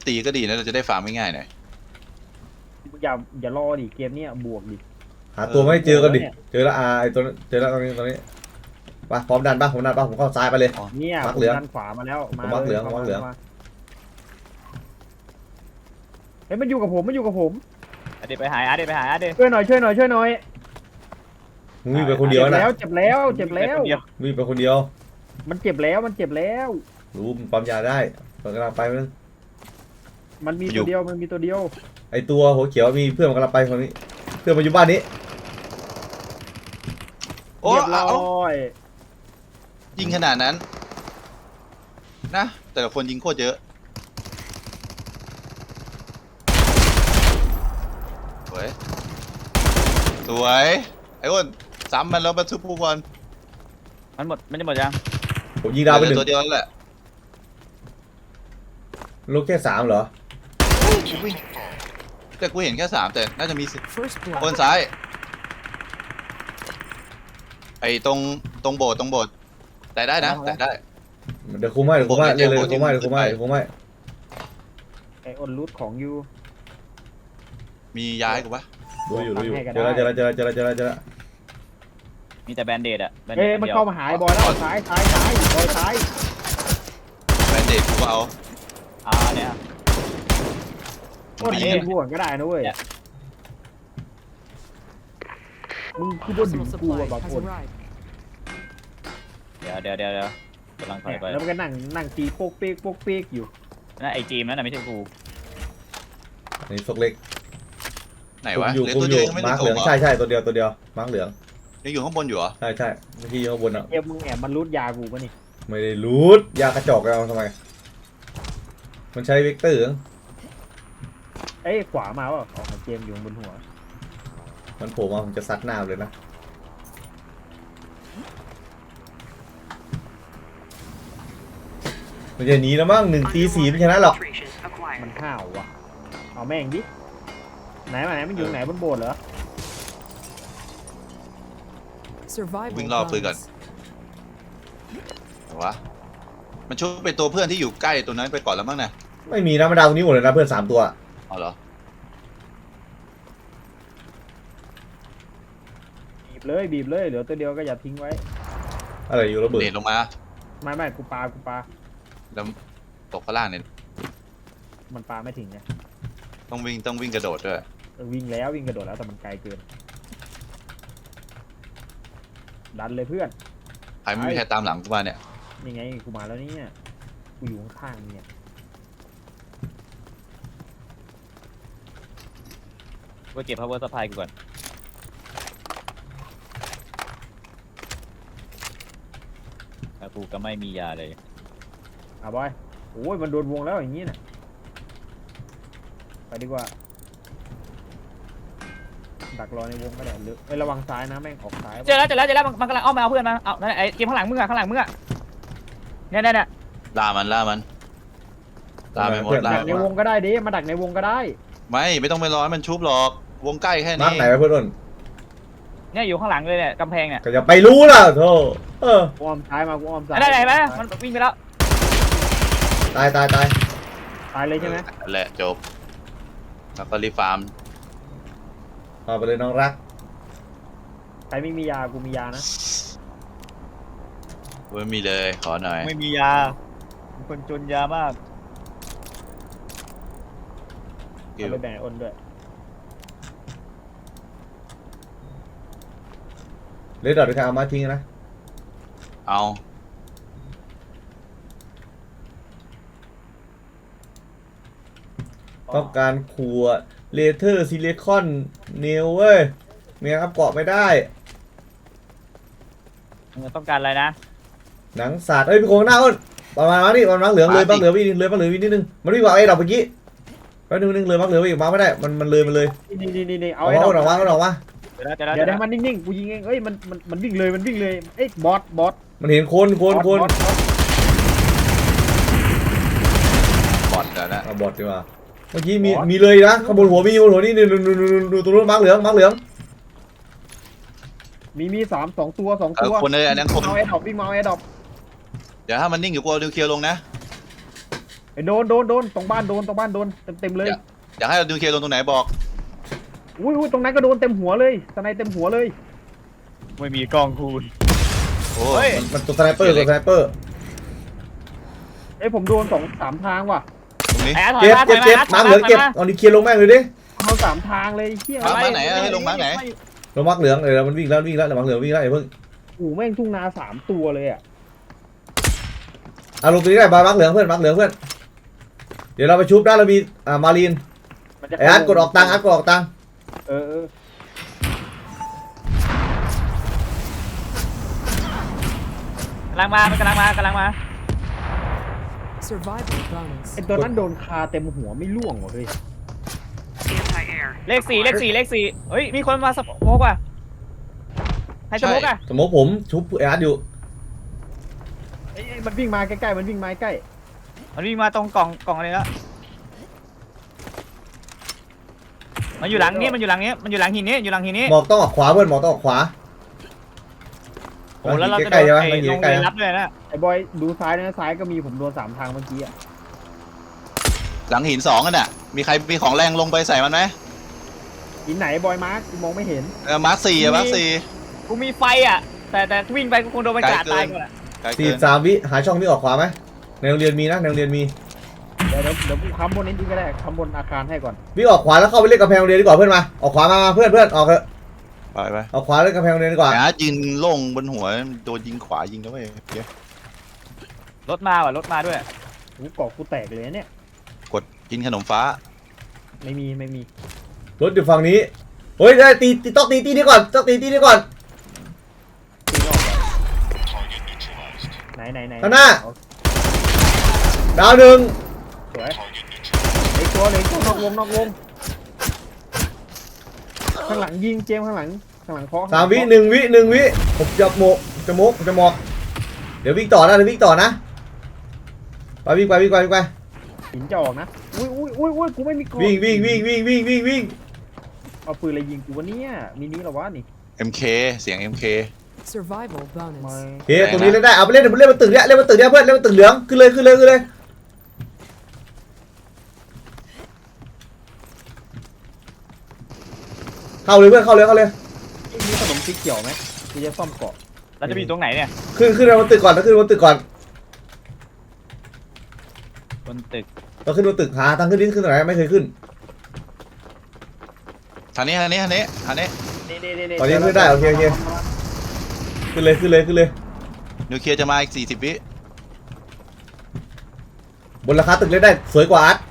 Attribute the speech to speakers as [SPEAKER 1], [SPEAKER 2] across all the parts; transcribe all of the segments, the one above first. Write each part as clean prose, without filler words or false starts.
[SPEAKER 1] ตีก็ดีนะเราจะได้ฟาร์มง่ายๆหน่อย
[SPEAKER 2] อย่ารอดิเกมนี้บวกดิ
[SPEAKER 3] หาตัวไม่เจอกันดิเจอแล้วไอตัวเจอแล้วตรงนี้ไปพร้อมดันป่ะผมเข้าซ้ายไปเลย
[SPEAKER 2] เนี่ย
[SPEAKER 3] มักเหลือง
[SPEAKER 2] ด้านขวามาแล้วมา
[SPEAKER 3] มักเหลืองมักเหลือง
[SPEAKER 2] เฮ้ยมันอยู่กับผม
[SPEAKER 4] อาเดไปหายอาเดไปหายอาเด
[SPEAKER 2] ช่วยหน่อย
[SPEAKER 3] มึงวิ่งไปคนเดียวนะ
[SPEAKER 2] เจ็บแล้ว
[SPEAKER 3] วิ่งไปคนเดียว
[SPEAKER 2] มันเจ็บแล้ว
[SPEAKER 3] รู้มันปั๊มยาได้เปิดกำลังไปมั้ง
[SPEAKER 2] มันมีตัวเดียว
[SPEAKER 3] ไอตัวหัวเขียวมีเพื่อนมันกำลังไปคนนี้เพื่อนมาอยู่บ้านนี้
[SPEAKER 1] โอ้
[SPEAKER 2] เรียบร้
[SPEAKER 1] เอา
[SPEAKER 2] อย
[SPEAKER 1] ยิงขนาดนั้นนะแต่ละคนยิงโคตรเยอะสวยไอ้อ้นซ้ำมันแล้วมาทุบผู้บอล
[SPEAKER 4] มันจะหมดยัง
[SPEAKER 3] ผมยิงดาวไปหนึ่ง
[SPEAKER 1] ตัวเดียวนั่นแหละ
[SPEAKER 3] ลูกแค่3เหรอ
[SPEAKER 1] แต่กูเห็นแค่3แต่น่าจะมี
[SPEAKER 5] First
[SPEAKER 1] ค
[SPEAKER 5] blood.
[SPEAKER 1] นซ้ายไอ้ตรงโบสถ์แต่ได้นะแต่ได้
[SPEAKER 3] เดี๋ยวคุมให้เลยคุมให้
[SPEAKER 2] ไอออนรูทของยู
[SPEAKER 1] มีย้ายกูปะ
[SPEAKER 3] ดูอยู่เจอแล้ว
[SPEAKER 4] มีแต่แบนเดดอะแบนเด
[SPEAKER 2] เอ้
[SPEAKER 4] ด
[SPEAKER 2] มันเข้ามาหายบอยแล้วซ้ายบอยซ้าย
[SPEAKER 1] แบนเดดกูก็เอา
[SPEAKER 4] เนี่ย
[SPEAKER 2] ก็ดีบวกก็ได้นะเว้ยมึงคือบนดึง
[SPEAKER 5] Personal
[SPEAKER 2] กู
[SPEAKER 5] supply
[SPEAKER 2] บาง
[SPEAKER 5] has
[SPEAKER 2] คน
[SPEAKER 5] arrived.
[SPEAKER 4] เดี๋ยวกำลังถอยไป
[SPEAKER 2] แล้วมันก็นั่งตีโป๊กเป๊กอยู่
[SPEAKER 4] นั่นไอจีมนั่นน่ะไม่ใช่กู
[SPEAKER 3] นี่ซกเล็ก
[SPEAKER 1] ไหนวะ
[SPEAKER 3] อยู่
[SPEAKER 1] เหลือตัวเดียวยังไม่
[SPEAKER 3] มา
[SPEAKER 1] ได้
[SPEAKER 3] ร์กเห
[SPEAKER 1] ส่
[SPEAKER 3] ลื
[SPEAKER 1] ง
[SPEAKER 3] อง
[SPEAKER 1] เหรอ
[SPEAKER 3] ใช่ตัวเดียวมาร์กเหลือง
[SPEAKER 1] ยังอยู่ข้างบนอยู่เหรอ
[SPEAKER 3] ใช่เมื่อกี้ข้างบนอ่ะ
[SPEAKER 2] เอ็มมึงแอบมันรูดยากูปะนี่
[SPEAKER 3] ไม่ได้รูดยากระจอกเอาทำไมมันใช้เวกเตอร์
[SPEAKER 2] เอ้ยขวามาว่ะออกมาเกมอยู่บนหัว
[SPEAKER 3] มันโผล่มาผมจะซัดหน้าเลยนะมันจะหนีแล้วมั้ง1-4ไม่ชนะหรอก
[SPEAKER 2] มันห้าวว่ะเอาแม่งดิไหนมันอยู่ไหนบนโบสถ์เหรอ
[SPEAKER 5] Survival
[SPEAKER 1] วิ่งรอบปืนก่อน
[SPEAKER 5] bonus.
[SPEAKER 1] ไหนวะมันช่วยเป็นตัวเพื่อนที่อยู่ใกล้ตัวนั้นไปก่อนแล้วมั้งนะ
[SPEAKER 3] ไม่มีนะมันดาวตรงนี้หมดเลยนะเพื่อน3ตัว
[SPEAKER 1] อ๋อเหรอ
[SPEAKER 2] บีบเลยเหลือตัวเดียวก็อย่าทิ้งไว้
[SPEAKER 3] อะไรอยู่ระเบิด
[SPEAKER 1] เด็ดลงมา
[SPEAKER 2] ไม่กูปา
[SPEAKER 1] แล้วตกข้างล่างเนี่ย
[SPEAKER 2] มันปาไม่ถึงไง
[SPEAKER 1] ต้องวิ่งกระโดดด้วย
[SPEAKER 2] วิ่งกระโดดแล้วแต่มันไกลเกินดันเลยเพื่อน
[SPEAKER 1] ใครไม่มีใครตามหลังกูมาเนี่ย
[SPEAKER 2] นี่ไงกูมาแล้วเนี่ยกูอยู่ข้างๆเนี่ย
[SPEAKER 4] กูเก็บ power supply กูก่อนแล้วกูก็ไม่มียาเลย
[SPEAKER 2] บอยโอ้ยมันโดนวงแล้วอย่างนี้น่ะไปดีกว่าดักรอในวงก็ได้หรือระวังซ้ายนะแม่งออกซ้าย
[SPEAKER 4] เจอแล้วมันกำลังอ้อมมาเอาเพื่อนมาเอานั่นไอเกมข้างหลังมึงอะเนี่ย
[SPEAKER 1] ล่ามันล่าไปหมดล่า
[SPEAKER 2] ดักในวงก็ได้ดิมาดักในวงก็ได้
[SPEAKER 1] ไม่ต้องไปรอให้มันชุบหรอกวงใกล้แค่
[SPEAKER 3] มาร์ก
[SPEAKER 1] นี้
[SPEAKER 3] ไหนวะเพื่อน
[SPEAKER 4] เนี่ยอยู่ข้างหลังเลยเนี่ยกำแพงเนี่ย
[SPEAKER 3] ก็จะไปรู้ล่ะโธ่
[SPEAKER 2] กูอ้อมซ้ายมากูอ้อมซ้าย
[SPEAKER 4] ได้ไหมมันวิ่งไปแล้ว
[SPEAKER 3] ตาย
[SPEAKER 2] ตายเลยใช่ไหม
[SPEAKER 1] นั่นแหละจบแล้วก็รีฟาร์ม
[SPEAKER 3] เอาไปเลยน้องรัก
[SPEAKER 2] ใครไม่มียากูมียานะ
[SPEAKER 1] ไม่มีเลยขอหน่อย
[SPEAKER 4] ไม่มียาเป็นคนจนยามาก
[SPEAKER 2] เอาไปแบ่งอ้นด้วย
[SPEAKER 3] เลดดอทด้วยกันเอามาทิ้งนะ
[SPEAKER 1] เอา
[SPEAKER 3] ต้องการขวดเลเทอร์ซิลิคอนเนลเว้ยเมียครับเกาะไม่ได้
[SPEAKER 4] มึงต้องการอะไรนะ
[SPEAKER 3] หนังสัตว์เอ้ยพี่โคงหน้าอ้นประมาณนี้มันมังเหลืองเลยมังเหลืองวิ่งเลยมังเหลืองวิ่งนิดนึงมันวิ่งว่าไอ้ดอกเมื่อกี้แป๊บนึงเลยมังเหลืองวิ่งมาไม่ได้มันเลย
[SPEAKER 2] นี่เอา
[SPEAKER 3] เอา
[SPEAKER 2] ไอ้ดอก
[SPEAKER 3] ออกมา
[SPEAKER 4] เดี๋ยว
[SPEAKER 2] เดี๋ยวให้มันนิ่งๆกูยิงเองเอ้ยมันวิ่งเลยเอ้ยบอส
[SPEAKER 3] มันเห็นคน
[SPEAKER 1] บอดแล้วนะ
[SPEAKER 3] บอดดีกว่าเมื่อกี้มีเลยนะข้างบนหัวนี่ดูตรงนู้นมังเหลือง
[SPEAKER 2] มีสองตัว
[SPEAKER 1] คนเลยอันนั้นคน
[SPEAKER 2] เอาไอ้ดอกวิ่งมาเอาไอ้ดอก
[SPEAKER 1] เดี๋ยวถ้ามันนิ่งอยู่กูเอานิวเคลียร์ลงนะ
[SPEAKER 2] ไปโดนตรงบ้านโดนเต็มเลย
[SPEAKER 1] อยากให้เราดูเคลงตรงไหนบอก
[SPEAKER 2] อุ้ยตรงนั้นก็โดนเต็มหัวเลยสไนเต็มหัวเลย
[SPEAKER 4] ไม่มีกองคูณ
[SPEAKER 1] โอ้
[SPEAKER 4] เฮ้ย
[SPEAKER 3] มันตัวสไนเปอร์ตัวสไนเปอร์
[SPEAKER 2] เอ้ยผมโดน2-3 ทางว่ะ
[SPEAKER 1] ตรงนี้
[SPEAKER 4] แอร์ถอย
[SPEAKER 3] เก็บ
[SPEAKER 4] มาถ
[SPEAKER 3] เก็
[SPEAKER 4] อบ ย
[SPEAKER 3] เก็บ
[SPEAKER 4] มา
[SPEAKER 3] มาร์คเหลืองเก็บเอานิเคลียร์ลงแม่งเลยดิ
[SPEAKER 2] เอา3 ทางเลยเฮีย
[SPEAKER 1] มาร์คไหนให้ลงมาร์คไหน
[SPEAKER 3] ลงมาร์คเหลืองเดี๋ยวมันวิ่งแล้วเดี๋ยวมาร์คเหลืองวิ่งแล้วอย่าเพิ่ง
[SPEAKER 2] โอ้แม่งทุ่งนา3 ตัวเลยอ่ะ
[SPEAKER 3] เอาลงตรงนี้ได้มาร์คเหลืองเพื่อนมาร์คเหลืองเพื่อนเดี๋ยวเราไปชุบได้เรามีมารีน
[SPEAKER 2] มันจะ
[SPEAKER 3] ไอ้อาร์ตกดออกตังค์อาร์ตกดออกตังค์
[SPEAKER 2] เออ
[SPEAKER 4] กำลังมามันกำลังมา
[SPEAKER 5] Survival bonus.
[SPEAKER 2] ไอตัวนั้นโดนคาเต็มหัวไม่ล่วงว่ะเฮ้ย
[SPEAKER 4] เลข4เฮ้ยมีคนมาสโมกว่ะให้สโมกอ่ะ
[SPEAKER 3] สมมติผมชุบไอ้อาร์ตอยู่
[SPEAKER 2] ไอ้มันวิ่งมาใกล้ๆมันวิ่งมาใกล้
[SPEAKER 4] มันวิ่งมาตรงกล่องอะไรแล้วมันอยู่หลังนี้มันอยู่หลังหินนี้
[SPEAKER 3] หมอกต้องออกขวาเพื่อนหมอกต้องออกขวา
[SPEAKER 4] โอ้แล้วเราจะ
[SPEAKER 3] ใกล้ๆใช่ไหม
[SPEAKER 4] ไอ้
[SPEAKER 3] มันอยู่
[SPEAKER 4] ลง
[SPEAKER 3] ใกล้
[SPEAKER 4] ไป
[SPEAKER 3] ๆ
[SPEAKER 4] รับเลยนะ
[SPEAKER 2] ไอ้บอยดูซ้ายนะซ้ายก็มีผมโดน3 ทางเมื่อกี้อ่ะ
[SPEAKER 1] หลังหิน2กันน่ะมีใครมีของแรงลงไปใส่มันไหม
[SPEAKER 2] หินไหนบอยมาร์คมองไม่เห็น
[SPEAKER 1] มาร์ค4อะมาร์ค
[SPEAKER 4] กูมีไฟอ่ะแต่วิ่งไปกูคงโดนมันกราดตายก่อนอะ
[SPEAKER 1] 4ไกล
[SPEAKER 3] สี่
[SPEAKER 1] เกิน
[SPEAKER 3] 3 วิหาช่องวิ่งออกขวาไหมในโรงเรียนมีนะในโรงเรียนมี
[SPEAKER 2] เดี๋ยวกูค้ำบนนี้ก็ได้ค้ำบนอาคารให้ก่อน
[SPEAKER 3] วิ่งออกขวาแล้วเข้าไปเล่นกำแพงโรงเรียนดีกว่าเพื่อนมาออกขวามาเพื่อนออกเถอะ
[SPEAKER 1] ไป
[SPEAKER 3] ออกขวาเล่นกำแพงโรงเรียนดีกว่า
[SPEAKER 1] ไอ้อาร์ตยืนโล่งบนหัวโดนยิงขวายิงแล้วเว้ยเดี๋ยว
[SPEAKER 4] รถมาด้วย
[SPEAKER 2] กูเกาะกูแตกเลยเนี่ย
[SPEAKER 1] กดกินขนมฟ้า
[SPEAKER 2] ไม่มี
[SPEAKER 3] รถอยู่ฝั่งนี้เฮ้ยได้ตีต้องตีนี้ก่อนต้องตีนี้ก่อน
[SPEAKER 2] ตีรอบก่อนไหน
[SPEAKER 3] ข้างหน้า ดาวหนึ่ง
[SPEAKER 2] สวยไอ้ตัวนอกวงข้างหลังยิงเจมข้างหลังเคาะ
[SPEAKER 3] 3 วิ1 วิผมจะหมกเดี๋ยววิ่งต่อนะไปวิ่งไป
[SPEAKER 2] หินจะออกนะอุ้ยกูไม่มีกรอบ
[SPEAKER 3] วิ่ง
[SPEAKER 2] เอาปืนอะไรยิงกูวะเนี่ยมินิเหรอวะนี่
[SPEAKER 1] MK เสียง MK
[SPEAKER 5] Survival
[SPEAKER 2] มา
[SPEAKER 5] bonus.
[SPEAKER 3] โอเคตรงนี้เล่นได้เอาไปเล่นบนตึกเนี้ยเพื่อนเล่นบนตึกเหลืองขึ้นเลยเข้าเลยเพื่อนเข้าเลย
[SPEAKER 2] มีขนมสีเขียวไหมกูจะซ่อมเกาะ
[SPEAKER 4] เราจะไปอยู่ตรงไหนเนี่ย
[SPEAKER 3] ขึ้นบนตึกก่อนขึ้นบนตึกก่อน
[SPEAKER 4] บนตึก
[SPEAKER 3] ต้องขึ้นบนตึกหาทางขึ้นตรงไหนไม่เคยขึ้น
[SPEAKER 1] ทางนี้
[SPEAKER 2] นี่
[SPEAKER 3] ตอนนี้ขึ้นได้โอเคขึ้นเลย
[SPEAKER 1] นิวเคลียร์จะมาอีก40 วิ
[SPEAKER 3] บนราคาตึกเล่นได้สวยกว่าอาร์ต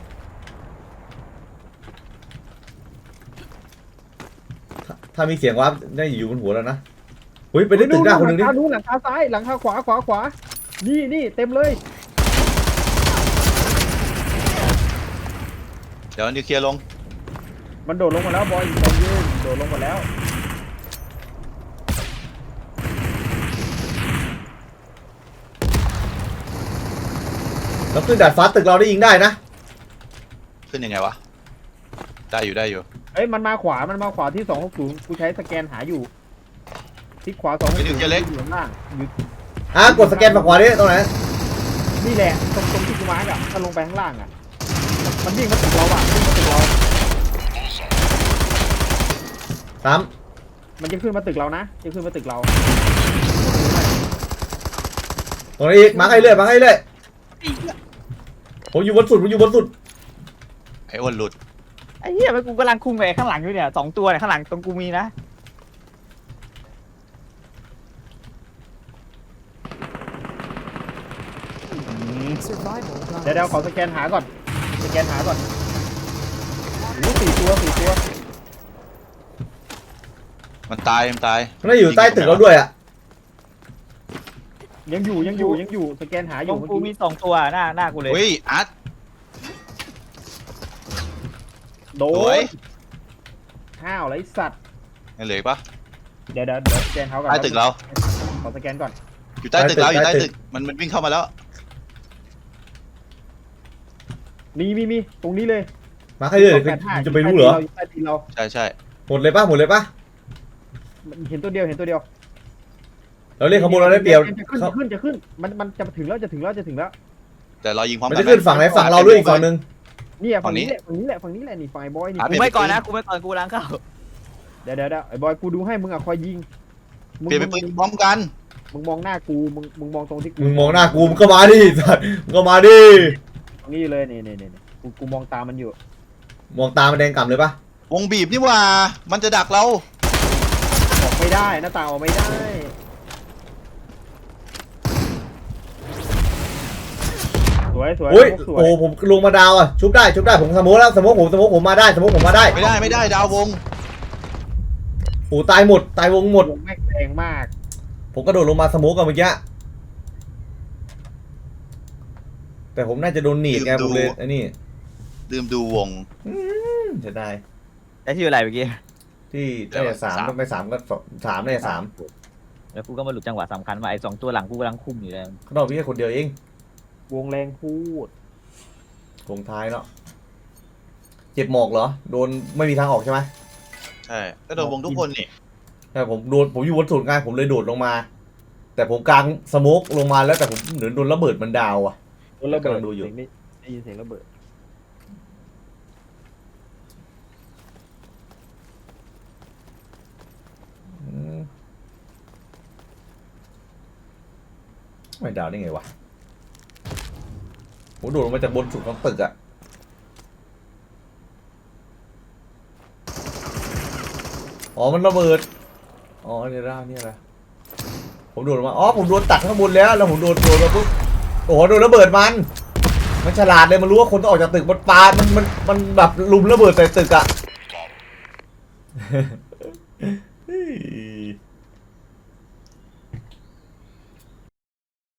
[SPEAKER 3] ถ้ามีเสียงว่าได้อยู่บนหัวแล้วนะอุ้ยไปได้ตึกหน้าคนหนึ่งดิ
[SPEAKER 2] หลังคาซ้ายหลังคาขวานี่เต็มเลย
[SPEAKER 1] เดี๋ยวนิวเคลียร์ลง
[SPEAKER 2] มันโดดลงมาแล้วบอยโดดลงมาแล้ว
[SPEAKER 3] แล้วขึ้นดาดฟ้าตึกเราได้ยิงได้นะ
[SPEAKER 1] ขึ้นยังไงวะได้อยู่
[SPEAKER 2] เอ้ยมันมาขวาที่260กูใช้สแกนหาอยู่ที่ขวา260อยู่ข้างล่างอยู่
[SPEAKER 3] กดสแกนฝั่งขวาดิตรงไหน
[SPEAKER 2] นี่แหละตรงที่กูมาร์กอ่ะถ้าลงไปข้างล่างอ่ะมันวิ่งมาตึกเราอ่ะวิ่งมาตึกเรา
[SPEAKER 3] 3
[SPEAKER 2] มันจะขึ้นมาตึกเรานะจะขึ้นมาตึกเรา
[SPEAKER 3] ตรงนี้อีกมาให้เรื่อยผมอยู่บนสุด
[SPEAKER 1] ไอ้อ้วนหลุด
[SPEAKER 4] ไอ้เหี้ยมันกูกำลังคุมไอ้ข้างหลังอยู่เนี่ย2 ตัวเนี่ยข้างหลังตรงกูมีนะ
[SPEAKER 5] Survival
[SPEAKER 2] เดี๋ยว
[SPEAKER 5] bonus.
[SPEAKER 2] ขอสแกนหาก่อนโอ้4 ตัว
[SPEAKER 1] มันตาย
[SPEAKER 3] มันได้อยู่ใต้ตึกเราด้วยอ่ะ
[SPEAKER 2] ยังอยู่สแกนหาอ
[SPEAKER 4] ตร
[SPEAKER 2] ยู่
[SPEAKER 4] ง
[SPEAKER 2] เมื่อ
[SPEAKER 4] กู
[SPEAKER 2] กี้
[SPEAKER 4] มี2 ตัวหน้ากูเลย
[SPEAKER 1] เฮ้ยอาร์ต
[SPEAKER 2] โด
[SPEAKER 1] สวย
[SPEAKER 2] นห้าวไรสัตว์
[SPEAKER 1] ยังเหลืออีกปะ
[SPEAKER 2] เดี๋ยวสแกนเขาก่อน
[SPEAKER 1] ใต้ตึกเรา
[SPEAKER 2] ขอสแกนก่อน
[SPEAKER 1] อยู่ใต้ตึกเราอยู่ใต้ตึกมันวิ่งเข้ามาแล้ว
[SPEAKER 2] มีตรงนี้เลย
[SPEAKER 3] มาให้เรื่อยจะไปรู้เหรอ
[SPEAKER 2] ใต้ตีนเรา
[SPEAKER 1] ใช่
[SPEAKER 3] หมดเลยปะ
[SPEAKER 2] เห็นตัวเดียว
[SPEAKER 3] เราเล่นขบวนเราได้เปรียบ
[SPEAKER 2] จะขึ้นมันจะถึงแล้ว
[SPEAKER 1] แต่เรายิงพร้อม
[SPEAKER 3] มัน
[SPEAKER 1] กั
[SPEAKER 3] จะขึ้นฝั่งไหนฝั่งเราด้วยอีกฝั่งหนึ่ง
[SPEAKER 2] เนี่ยฝั่งนี้แหละฝั่งนี้แหละฝั่งนี้แหละนี่ไฟบอยนี่
[SPEAKER 4] กูไม่ก่อนนะกูไม่ก่อนกูล้างเข้า
[SPEAKER 2] เดี๋ยวไอ้บอยกูดูให้มึงอะคอยยิง
[SPEAKER 1] เปลี่ยนเป็นปืนพร้อมกัน
[SPEAKER 2] มึงมองหน้ากูมึงมองตรงที่กู
[SPEAKER 3] มึงมองหน้ากูมึงก็มาดิสัตว์มึงก็มาดิ
[SPEAKER 2] ตรงนี้เลยนี่กูมองตามมันอยู่
[SPEAKER 3] มองตามันแดงก่ำเลยปะ
[SPEAKER 1] วงบีบนี่หว่ามันจะดักเรา
[SPEAKER 2] ออกไม่ได้หน้าต่างออกไม่ได้สวย
[SPEAKER 3] โอ้ย
[SPEAKER 2] สวย
[SPEAKER 3] โอ้ผมลงมาดาวอ่ะชุบได้ผมสโมกแล้วสโมกผมมาได้ผมมาได้
[SPEAKER 1] ไม่ได้ดาววง
[SPEAKER 3] โอ้ตายหมดตายวงหมด
[SPEAKER 2] วงแม่งแรงมาก
[SPEAKER 3] ผมกระโดดลงมาสโมกกันเมื่อกี้แต่ผมน่าจะโดนหนีบไงผมเลยไอ้นี่
[SPEAKER 1] ลืมดูวง
[SPEAKER 3] จะได้
[SPEAKER 4] ได้ที่อะไรเมื่อกี้
[SPEAKER 3] ที่ได้แต่3ต้องไป3ก็3ได้แต่3
[SPEAKER 4] แล้วกูก็มาหลุดจังหวะสำคัญว่าไอ้2ตัวหลังกูกำลังคุมอยู่เลย
[SPEAKER 3] เขาบอกพี่แค่คนเดียวเอง
[SPEAKER 2] วงแรงพูด
[SPEAKER 3] วงท้ายเนาะเจ็บหมอกเหรอโดนไม่มีทางออกใช่ไหม
[SPEAKER 1] ใช่ก็โดนวงทุกคนนี่
[SPEAKER 3] ใช่ผมอยู่บนสุดไงผมเลยโดดลงมา แต่ผมกางสโมกลงมาแล้วแต่ผมเหมือนโดนระเบิดมันดาวอ่ะ
[SPEAKER 2] โดนระเบิด
[SPEAKER 3] กำลังดูอยู่
[SPEAKER 2] เสีงนี่ได้ยินเสียงระเบิด
[SPEAKER 3] ไม่ดาวได้ไงวะผมโดดลงมาจากบนสุดของตึกอะอ๋อมันระเบิดอ๋อเนี่ยร่างเนี่ยแหละผมโดดลงมาอ๋อผมโดนตัดข้างบนแล้วผมโดนมาปุ๊บโอ้โหโดนระเบิดมันฉลาดเลยมันรู้ว่าคนต้องออกจากตึกมันปามันแบบลุมระเบิดใส่ตึกอะ